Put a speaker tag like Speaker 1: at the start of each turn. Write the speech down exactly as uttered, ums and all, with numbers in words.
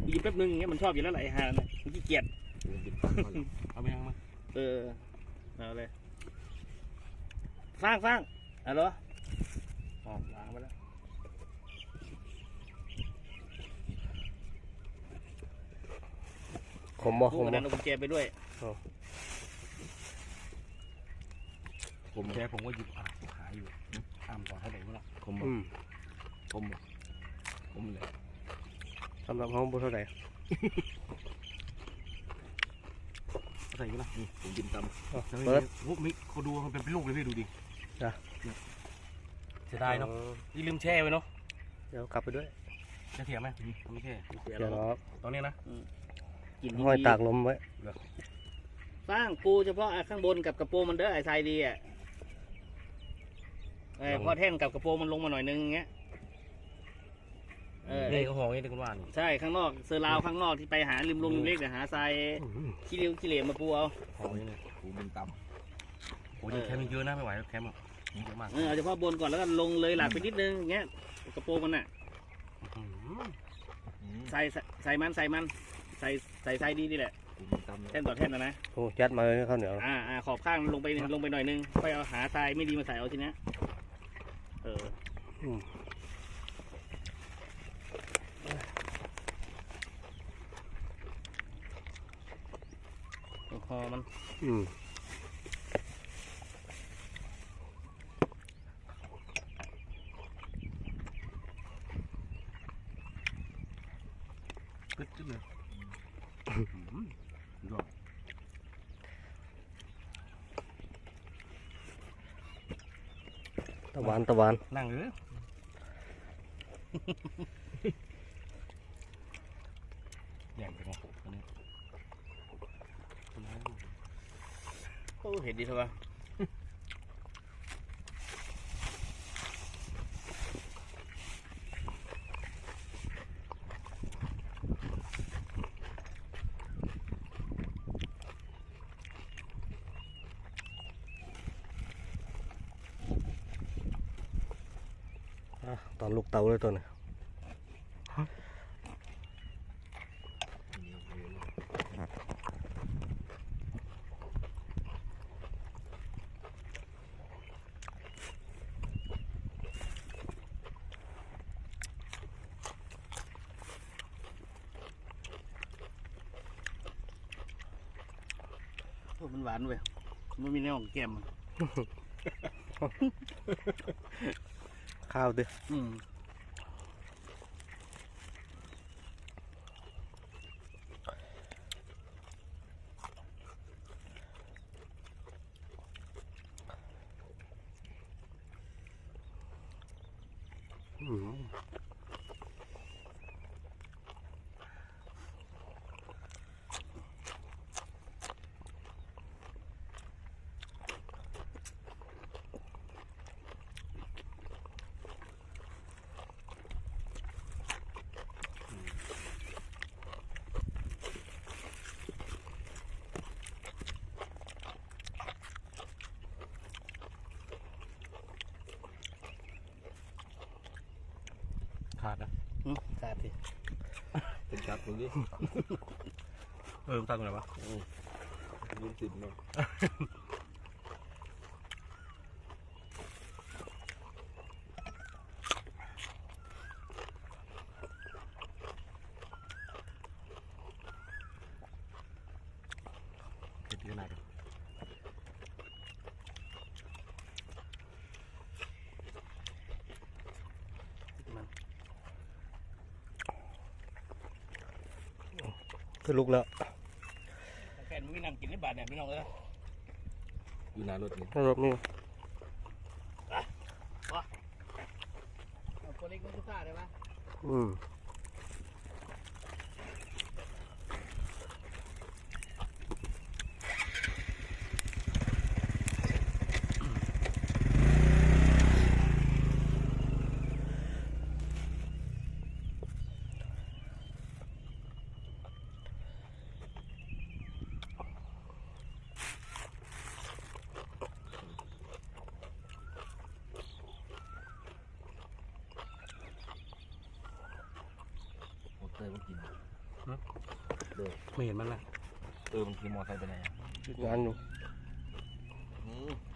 Speaker 1: บีบแป๊บนึงอย่างเงี้ยมันชอบอยู่แล้วแหละไอ้ห่าเนี่ยมันขี้เกียจเอาไปยังมาเออเอาเลยฟางฟางเอาเหรออ๋อล้างไปแล้ว
Speaker 2: ขมบ่ข
Speaker 1: ลูก
Speaker 2: ม
Speaker 1: กระ
Speaker 2: บ่
Speaker 1: ดานเอากุญแจไปด้วย
Speaker 3: ผมแกผมก็หยิบอ่าหาอยู่ตามต่อเท่าไหร่ไม่รู้ผม
Speaker 2: อืม
Speaker 3: ผมผมเลย
Speaker 2: สำหรับห้องบุเท่าไหร่
Speaker 3: ใส่กันนะผมกินตำ
Speaker 2: เปิด
Speaker 3: พวกมิเขาดูมันเป็นลูกเลยพี่ดูดิ
Speaker 2: จ้ะ
Speaker 3: เสียดายเนาะนี่ลืมแช่ไว้เนาะ
Speaker 2: เดี๋ยวกลับไปด้วย
Speaker 3: จะเสียไหมไม่แช่
Speaker 1: เสีย
Speaker 2: เดี๋ยว
Speaker 1: แล้ว
Speaker 2: เนาะ
Speaker 3: ตอนนี้นะ
Speaker 1: กิน
Speaker 2: ห้อยตากลมไว้
Speaker 1: ฟางปูเฉพาะข้างบนกับกระโปรงมันเด้อไอ้ทรายดีอ่ะเออพอแท่นกับกระโปรงมันลงมาหน่อยนึงอย่างเงี้ยเออ
Speaker 3: นี่ก็ห่อนี่คุณว่านี่
Speaker 1: ใช่ข้างนอกเซอร์ราวข้างนอกที่ไปหาริมลงริมเล็กเดี๋ยวหาทรายขี้ริ้วขี้เหร่มาปูเอา
Speaker 3: ห่อนี่เลย
Speaker 4: กูเป็นตำ
Speaker 3: โอ้ยแคมป์เยอะนะไม่ไหวแคมป์อ่ะเยอะมาก
Speaker 1: เออเอาเฉพาะบนก่อนแล้วก็ลงเลยหลักไปนิดนึงอย่างเงี้ยกระโปรงมันน่ะใส่ใส่มันใส่มันใส่ใส่ทรายดีนี่แหละ
Speaker 4: กูเป็นตำ
Speaker 1: แท่นต่อแท่นนะนะ
Speaker 2: โอ้ยัดมาเลยข้าวเหนียว
Speaker 1: อ่าอ่าขอบข้างลงไปลงไปหน่อยนึงค่อยเอาหาทรายไม่ดีมาใส่เอาทีนี้เออ
Speaker 2: อืม
Speaker 1: พอมัน
Speaker 2: อืม
Speaker 3: กึดกึดเลยยอด
Speaker 2: ตะวันตะวัน
Speaker 3: นั่งเลยแย่งไปไงตอนนี้
Speaker 1: โอ้เห็นดีเถอะวะ
Speaker 2: อ่ะตอนลูกเตาเลยตัวนี้
Speaker 1: โอ้มันหวานเว้ยมันมีแนวของแก้มมัน
Speaker 2: ข้าวดิ
Speaker 1: อืม
Speaker 2: อืม
Speaker 3: ขาดนะ
Speaker 1: อืมขาดสิ
Speaker 4: เป็นชัดตรงนี้
Speaker 3: เออตั้งตรงไหนวะ
Speaker 4: ยืนติดเนาะ
Speaker 3: เด็ดขนาดนี้
Speaker 1: มัน
Speaker 2: ขึ้นลุกแล้ว
Speaker 1: แฟนมึงไม่นั่งกินในบาทเนี่ยพี่น้องเออ
Speaker 4: อยู่หน้ารถนี่
Speaker 2: รถนี่
Speaker 1: เอาตัวเล็กมันทุกข้าได้ปะ
Speaker 2: อืม
Speaker 3: ไม่เห็นมันละ
Speaker 4: เออมันขี่มอไซค์ไปไหนอ่ะ
Speaker 2: งานอยู่
Speaker 4: อืม